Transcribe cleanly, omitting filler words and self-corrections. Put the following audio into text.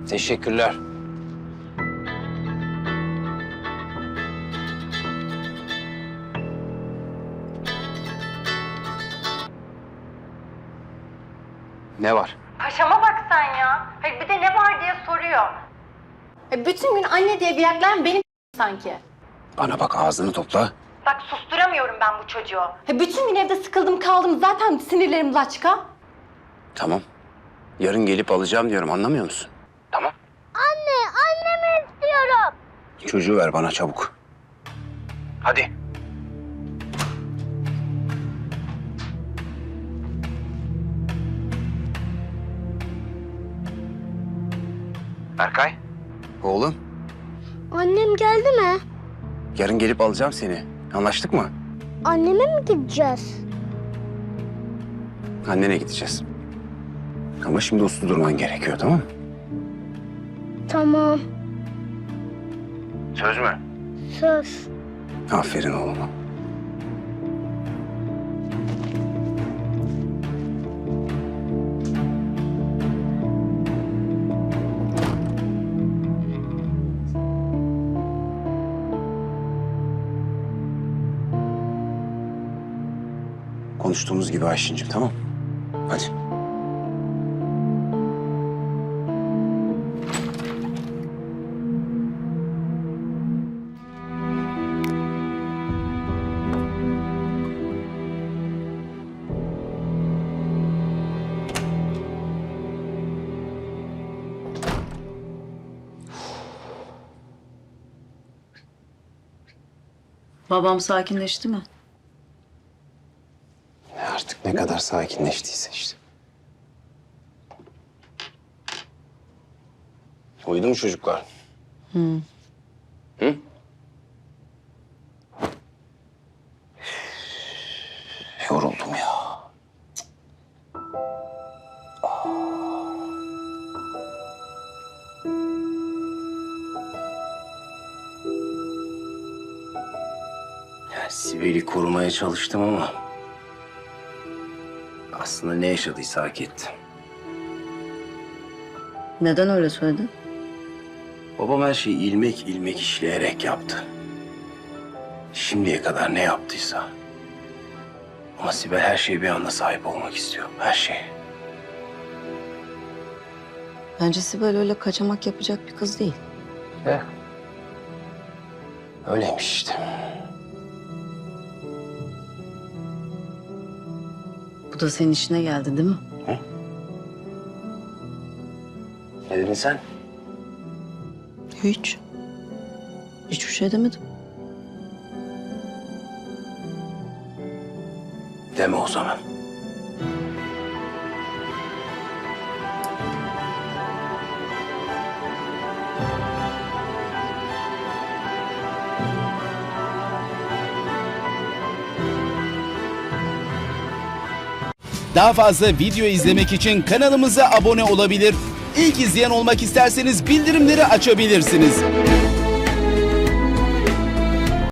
Teşekkürler. Ne var? Paşama bak sen ya. Hayır bir de ne var diye soruyor. Bütün gün anne diye biyaklayan benim sanki. Bana bak, ağzını topla. Bak susturamıyorum ben bu çocuğu. Bütün gün evde sıkıldım kaldım, zaten sinirlerim laçka. Tamam. Yarın gelip alacağım diyorum, anlamıyor musun? Tamam. Annemi istiyorum. Çocuğu ver bana çabuk. Hadi. Berkay. Oğlum. Annem geldi mi? Yarın gelip alacağım seni. Anlaştık mı? Anneme mi gideceğiz? Annene gideceğiz. Ama şimdi uslu durman gerekiyor, tamam mı? Tamam. Söz mü? Söz. Aferin oğluma. Konuştuğumuz gibi Ayşin'cim, tamam? Hadi. Babam sakinleşti mi? Artık ne kadar sakinleştiyse işte. Uyudu mu çocuklar? Hı? Yoruldum ya. Ya Sibel'i korumaya çalıştım ama aslında ne yaşadıysa hak etti. Neden öyle söyledin? Babam her şeyi ilmek ilmek işleyerek yaptı. Şimdiye kadar ne yaptıysa. Ama Sibel her şeye bir anda sahip olmak istiyor. Her şeye. Bence Sibel öyle kaçamak yapacak bir kız değil. Öyleymiş işte. Bu da senin işine geldi değil mi? Ne dedin sen? Hiç. Hiçbir şey demedim. Deme o zaman. Daha fazla video izlemek için kanalımıza abone olabilir. İlk izleyen olmak isterseniz bildirimleri açabilirsiniz.